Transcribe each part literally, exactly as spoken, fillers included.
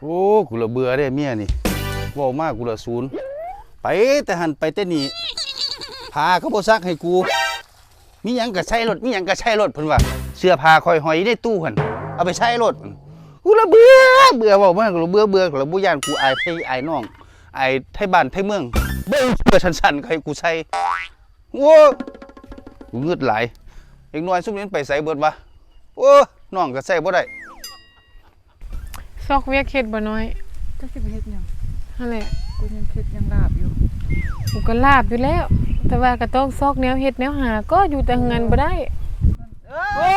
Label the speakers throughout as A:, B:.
A: โอ้กูละเบื่อได้เมียนี่ว้ามากกูละศูนย์ไปแต่หันไปแต่นี่พาเขาบ่ซักให้กูมีหยังก็ใช้รถมีหยังก็ใช้รถเพิ่นว่าเสื้อผ้าค่อยหอยในตู้หั่นเอาไปใช้รถกูละเบื่อเบื่อเว้ามากกูละเบื่อเบื่อกูละบ่ย่านกูอายพี่อายน้องอายไทบ้านไทเมืองเบิ่งเสื้อสั้นๆให้กูใส่โอ้กูงึดหลายเด็กน้อยซุมนี้ไปไสเบิดวะโอ้น้องก็ใส่บ่ได้
B: ซอกเวียกเฮ็ดบ่น้อย
C: ก็สิไปเฮ็ดหยัง
B: นั่นแหละ
C: กูยังเฮ็ดยังลาบอยู่
B: กูก็ลาบอยู่แล้วแต่ว่าก็ต้องซอกแนวเฮ็ดแนวหาก็อยู่แต่เงินบ่ได้
C: โอ้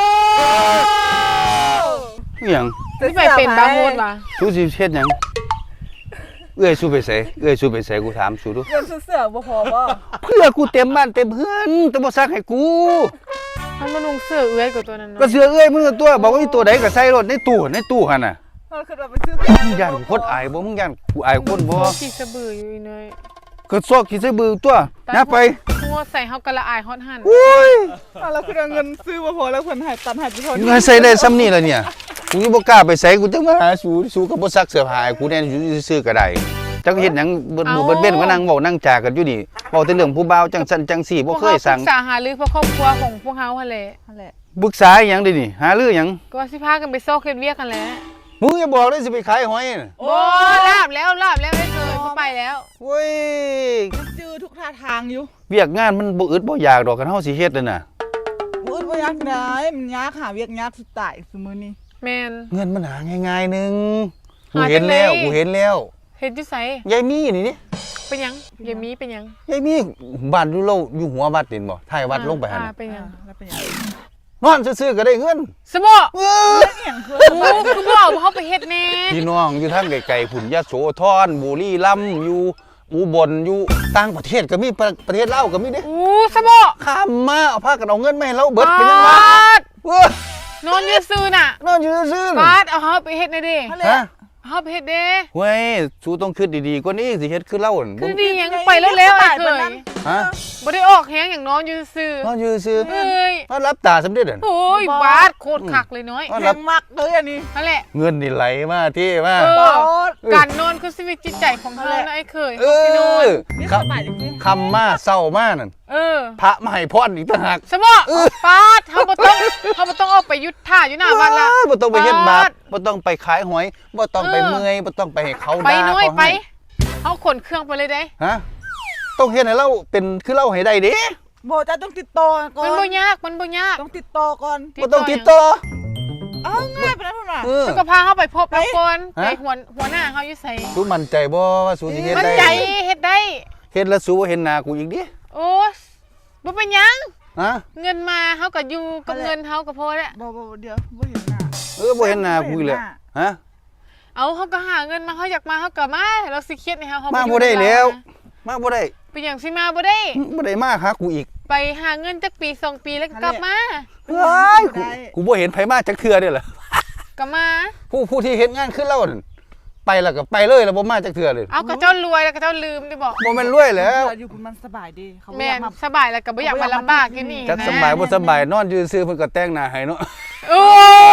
A: อิหยัง
B: นี่ไปเป็นบาโฮดว่ะ
A: สู้สิเฮ็ดหยังเอ้ยสู้ไปไสเอ้ยสู้ไปไสกูถามสู้ดู
C: เงินเสื้อบ่พอบ่
A: เพื่อกูเต็มบ้านเต็มเฮือนแต่บ่ซักให้กู
B: มันมานุ่งเสื้อเอื้อยกว่าตัวนั้นเนาะ
A: ก็เสื้อเอ้ยมึงตัวบอกว่าอีตัวใดก็ใส่รถในตู้ในตู้หั่นน่ะ
C: เฮาคิดว่าไปซื้อ
A: มึงย่านกูโคตรอายบ่มึงย่านกูอายคนบ่
B: ขี้สะบืออยู่อีน้อย
A: ก็ซอกขี้ใส่บือตัวนะไป
B: หัวใส่เฮาก็ละอายฮอดหั่น
A: โอ้ย
C: เราคิดว่าเงินซื้อบ่พอแล้วเพิ่นให้ตัดให้ไปพอ
A: เงินใส่ได้ซ้ำนี่ล่ะเนี่ยกูยังบ่กล้าไปใส่กูจังมาหาสู้สู้ก็บ่ซักเสื้อผ้าให้กูแน่อยู่ซื่อๆก็ได้จักเฮ็ดหยังเบิดหมู่เบิดเบ้นก็นั่งเว้านั่งจากันอยู่นี่เว้าแต่เรื่องผู้บ่าวจังซั่นจังซี่บ่เคยสั่ง
B: ปรึกษาหารือเพื่อครอบครัวของพวกเฮาหั่นแหละ
C: นั่นแหละ
A: ปรึกษาอีหยังได้นี่หารือหยัง
B: ก็สิพากันไปซอกเฮ็ดเวียกกันแหละ
A: มึงอย่าบอกเลยสิไปขายหอยน่ะ
B: โอ้ลาบแล้วลาบแล้วไม่เคยบ่ไปแล้ว
A: โอ้ย
C: จื้อทุกท่าทางอยู่
A: เวียกงานมันบ่อึดบ่อยากดอกกันเฮาสิเฮ็ดนั่นน่ะ
C: บ่อึดบ่อยากได้มันยากหาเวียกยากสุดตายซุมื้อนี้
B: แม่น
A: เงินมันหาง่ายๆนึงกูเห็นแล้วกูเห็นแล้ว
B: เฮ็ดอยู่ไส
A: ยายมีนี่นี่
B: เป็นหยังยายมีเป็นหยัง
A: ยายมีบ้านอยู่โลอยู่หัววัดนี่บ่ท้ายวัดลงไปหั่น
B: เป็นหยัง
C: แล้วเป็นหยัง
A: นอนซื่อๆก็ได้เงิน
B: สบ่
A: เออ
C: หยังคือ
B: โอ้คือบ่เอาเฮาไปเฮ็ดแน่
A: พี่น้องอยู่ทางไกลๆพุ่นยโสธรบุรีรัมย์อยู่อุบลอยู่ต่างประเทศก็มีประเทศลาวก็มีเด้
B: อู้สบ่
A: ข้ามมาเอาพากันเอาเงินมาให้เราเบิดเป็นจังวะเออน
B: อนอยู่ซื่อน่ะ
A: นอนอยู่ซื่อ
B: ๆบาดเอาเฮาไปเฮ็ดได้เด้
A: ฮะ
B: เฮาไปเฮ็ดเด้
A: เว้ยสู้ต้องคิดดีๆกว่านี้สิเฮ็ดคือเล่าหั่น
B: คือดีหยังไปแล้วๆไอ้เคย
A: ฮะ
B: บ่ได้ออกแฮงหยังนอนอยู่ซื่อน
A: อนอยู่ซื่อ
B: เอ้ย
A: นอนรับตาสำเร็จหั่น
B: โอ้ยบาดโคตรคักเลยน้อย
C: แฮงมักเลยอันนี้
B: นั่นแหละ
A: เงินนี่ไหลมาเท่มา
B: การนอนคือชีวิตจิตใจของเฮานะไอ้เคย
A: เออ
C: นี่สบายจริง
A: คำมาเศร้ามานั่น
B: เออ
A: พระมาให้พรอีกต่างหาก
B: สมอปาดเฮาบ่ต้องเฮาบ่ต้องออกไปยุดท่าอยู่หน้าวัดละ
A: บ่ต้องไปเฮ็ดบาปบ่ต้องไปขายหอยบ่ต้องไปเมื่อยบ่ต้องไปให้เขาด่า
B: ไปน้อยไปเฮาขนเครื่องไปเลยเด้
A: ฮะต้องเฮ็ดให้เราเป็นคือเราให้ได้เด้
C: บ่จะต้องติดต่อก่อน
B: มันบ่ยากมันบ่ยาก
C: ต้องติดต่อก่อน
A: บ่ต้องติดต่อ
C: เอ้าง่ายไปแล้วพุ่นน่ะ
B: แล้วก็พาเฮาไปพบแล้วก่อนไปหัวหัวหน้าเฮาอยู่ไส
A: สู้มั่นใจบ่ว่าสู้สิเฮ็ดได้
B: มั่นใจเฮ็ดได้
A: เฮ็ดแล้วสู้บ่เห็นหน้ากูอีกดิ
B: โอ้บ่เป็นหยัง
A: ฮะ
B: เงินมาเฮาก็อยู่กับเงินเฮาก็พอแล้ว
C: บ่ๆเดี๋ยวบ่เห็นหน้า
A: เออบ่เห็นหน้ากูอีกแล้วฮะ
B: เอาเฮาก็หาเงินมาเฮาอยากมาเฮาก็มาเราสิเครียดให้เฮาเฮา
A: มาบ่ได้แล้วมาบ่ได้
B: เป็นหยังสิมาบ่ได้
A: บ่ได้มาหากูอีก
B: ไปหาเงินจักปีสองปีแล้วก็กลับมา
A: เฮ้ยกูบ่เห็นไผมาจักเทื่อเด้อล่ะ
B: ก็มา
A: ผู้ผู้ที่เฮ็ดงานคือเรานั่นไปแล้วก็ไปเลยแล้วบ่มาจักเทื่อเลย
B: เอาก็เจ้ารวยแล้วก็เจ้าลืมได้บ่
A: บ่แม่นรวยแล้ว
C: อยู่มันสบายดี
B: เขาบ่อยากมาสบายแล้วก็บ่อยากมาลำบากอยู่นี่
A: จักสบายบ่สบายนอนอยู่ซื่อเพิ่นก็แต่งหน้าให้เนาะ
B: โอ้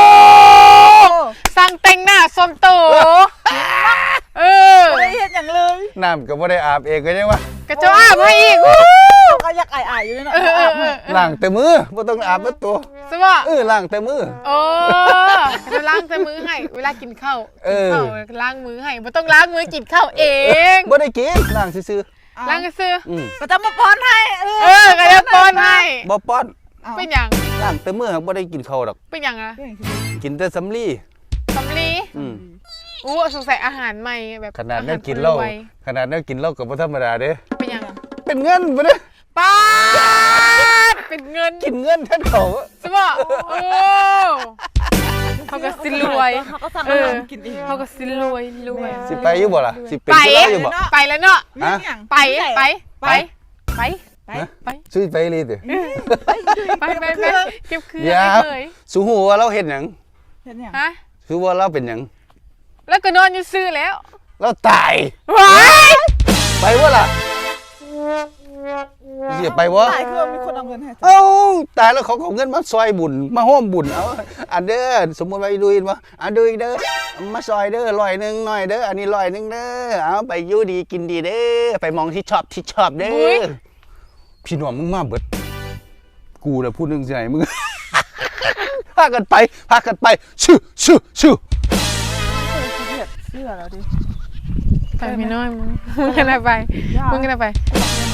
B: สั่งแต่งหน้าส้มโตเออ
C: บ่ได้เฮ็ดหยังเลย
A: น้ำก็บ่ได้อาบเองก็ยังว่า
B: ก็เจ้าอาบให้อีก
C: ก็อยากอายๆอยู่เนาะ
A: ล้างแต่มือบ่ต้องอาบแต่ตัว
B: ใช่บ่
A: เออล้างแต่มือ
B: โอ้จะล้างแต่มือให้เวลากินข้าวกินข้าวล้างมือให้บ่ต้องล้างมือกินข้าวเอง
A: บ่ได้กินล้างซื่อ
B: ๆล้างซื่อ
C: ก็จะมาป้อนให้
B: เออก็จะป้อนให้
A: บ่ป้อน
B: เป็นหยัง
A: ล้างแต่มือบ่ได้กินข้าวดอก
B: เป็นหยังอ่ะ
A: กินแต่สำลี
B: สำลี
A: อือ
B: อู้สงสัยอาหารใหม่แบบ
A: ขนาดนั้นกินเหล้าขนาดนั้นกินเหล้าก็บ่ธรรมดาเด้
B: เป็นหยัง
A: เป็นเงินบ่เด้
B: ป๊าดเป็นเงิน
A: กินเงินแทนเขา
B: ใช่ป่ะโอ้เขาก็สิรวย
C: เขาก็สั่งอาหารกินเอง
B: เขาก็สิรวยรวย
A: สิไปอยู่บ่ล่ะสิเป็น
B: อยู่บ่ไปแล้วเนาะไปไปไปไปไปไป
A: ซื้อไปเลยติ
B: ไปไปไปเก็บคืน
A: เลยสูหูว่าเราเฮ็ดหยัง
C: เฮ็ดหยัง
B: ฮะ
A: สูว่าเราเป็นหยัง
B: แล้วก็นอนอยู่ซื่อแล้ว
A: เราตาย
B: ว้าย
A: ไปบ่ล่ะเสียไปวะ
C: ตายคือว่ามีคนเอาเงินให้
A: เอ้าตายแล้วเขาเอาเงินมาซอยบุญมาห้อมบุญเอาอันเด้อสมมุติว่าดูอินว่าอันดูอีกเด้อมาซอยเด้อร้อยหนึ่งหน่อยเด้ออันนี้ร้อยหนึ่งเด้อเอาไปอยู่ดีกินดีเด้อไปมองที่ชอบที่ชอบเด้อพี่น้องมึงมาเบิดกูเลยพูดหนึ่งสิไหนมึง พากันไปพากันไปชื่อชื่อชื่อ
C: เสื้อแล้วดิ
B: ไปพี่น้อยมึงมึงกันไปมึงกันไป
C: ม